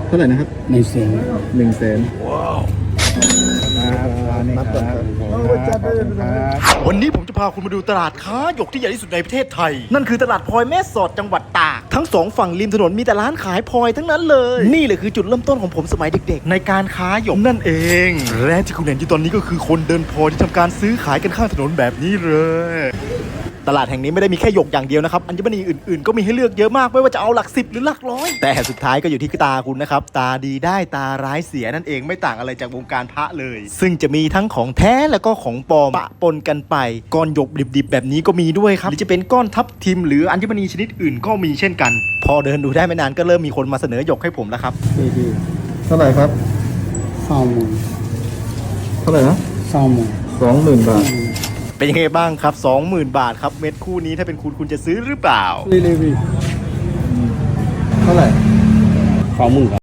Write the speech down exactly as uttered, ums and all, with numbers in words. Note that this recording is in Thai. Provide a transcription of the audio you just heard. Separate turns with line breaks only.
เท่าไหร่นะครับ
หนึ่งแสน
หนึ่งแสน
นับก่อนครับ
วันนี้ผมจะพาคุณมาดูตลาดค้าหยกที่ใหญ่ที่สุดในประเทศไทย นั่นคือตลาดพลอยแม่สอดจังหวัดตากทั้งสองฝั่งริมถนนมีแต่ร้านขายพลอยทั้งนั้นเลยนี่แหละคือจุดเริ่มต้นของผมสมัยเด็กๆในการค้าหยกนั่นเองและที่คุณเห็นอยู่ตอนนี้ก็คือคนเดินพลอยที่ทำการซื้อขายกันข้างถนนแบบนี้เลยตลาดแห่งนี้ไม่ได้มีแค่หยกอย่างเดียวนะครับอัญมณีอื่นๆก็มีให้เลือกเยอะมากไม่ว่าจะเอาหลักสิบหรือหลักร้อยแต่สุดท้ายก็อยู่ที่ตาคุณนะครับตาดีได้ตาร้ายเสียนั่นเองไม่ต่างอะไรจากวงการพระเลย ซึ่งจะมีทั้งของแท้แล้วก็ของปลอมปะปนกันไปก้อนหยกดิบๆแบบนี้ก็มีด้วยครับหรือจะเป็นก้อนทับทิมหรืออัญมณีชนิดอื่นก็มีเช่นกันพอเดินดูได้ไม่นานก็เริ่มมีคนมาเสนอหยกให้ผมแล้วครับ
ดีดีเท่าไหร่ครับ
สองหมื่น
เท่าไหร่นะ
สองหมื่น
สองหมื่นบาท
เป็นยังไงบ้างครับ สองหมื่น บาทครับเม็ดคู่นี้ถ้าเป็นคุณคุณจะซื้อหรือเปล่า
รีรีวี
เท่าไหร่
สองหมื่น